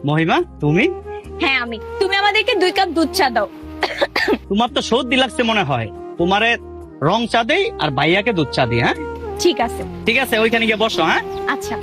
মহিমা তুমি? হ্যাঁ আমি। তুমি আমাদেরকে 2 কাপ দুধ চা দাও। তোমার তো সর্দি লাগছে মনে হয়, তোমারে রং চা দেই আর ভাইয়াকে দুধ চা দিই। হ্যাঁ ঠিক আছে। ঠিক আছে, ওইখানে গিয়ে বসো। হ্যাঁ আচ্ছা।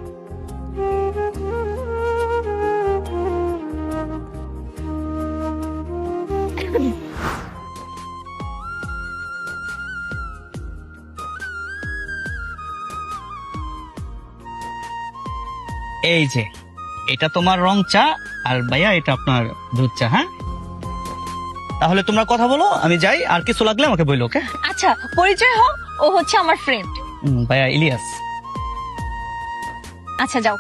এই যে এটা তোমার রং চা আর ভাইয়া এটা আপনার দুধ চা। হ্যাঁ তাহলে তোমরা কথা বলো, আমি যাই, আর কিছু লাগলে আমাকে বললো। ওকে? আচ্ছা, পরিচয় হোক, ও হচ্ছে আমার ফ্রেন্ড। ভাইয়া ইলিয়াস। আচ্ছা যাও।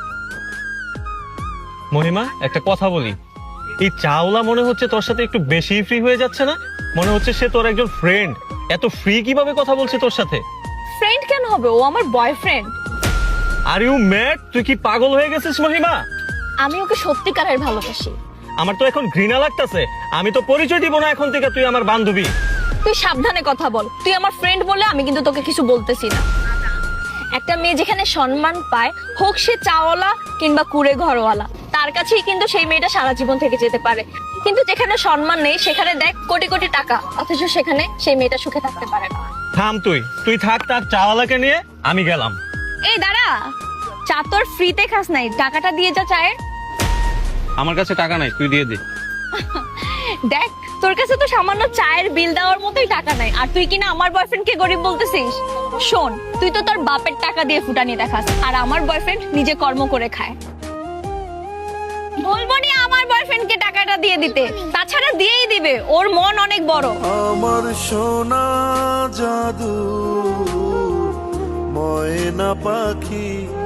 মহিমা, একটা কথা বলি, এই চাওলা মনে হচ্ছে তোর সাথে একটু বেশি ফ্রি হয়ে যাচ্ছে না? মনে হচ্ছে সে তোর একজন ফ্রেন্ড, এত ফ্রি কিভাবে কথা বলছে তোর সাথে? ফ্রেন্ড কেন হবে, ও আমার বয়ফ্রেন্ড। Are you mad? তুই কি পাগল হয়ে গেছিস মহিমা? আমি ওকে সত্যিকারের ভালোবাসি। আমার তো এখন ঘৃণা লাগতেছে। আমি তো পরিচয় দিব না এখন থেকে, তুই আমার বান্ধবী। তুই সাবধানে কথা বল, তুই আমার ফ্রেন্ড বলে আমি কিন্তু তোকে কিছু বলতেছি না। একটা মেয়ে যেখানে সম্মান পায়, হোক সে চাওয়ালা কিংবা কুড়ে ঘরওয়ালা, তার কাছেই কিন্তু সেই মেয়েটা সারা জীবন থেকে যেতে পারে। কিন্তু যেখানে সম্মান নেই, সেখানে দেখ কোটি কোটি টাকা, অথচ সেখানে সেই মেয়েটা সুখে থাকতে পারে না। থাম, তুই থাক তার চাওয়ালাকে নিয়ে, আমি গেলাম। এই দাঁড়া, চা তোর ফ্রিতে খাস নাই, টাকাটা দিয়ে যা চায়ের। আমার কাছে টাকা নাই, তুই দিয়ে দে। দেখ, তোর কাছে তো সামান্য চায়ের বিল দেওয়ার মতোই টাকা নাই, আর তুই কিনা আমার বয়ফ্রেন্ড কে গরিব বলতেছিস? শোন, তুই তো তোর বাপের টাকা দিয়ে ফুটানি দেখাস, আর আমার বয়ফ্রেন্ড নিজে কর্ম করে খায়। বলবো নি আমার বয়ফ্রেন্ডকে টাকাটা দিয়ে দিতে, তাছাড়া দিয়েই দিবে, ওর মন অনেক বড়। আমার সোনা জাদু ময়না পাখি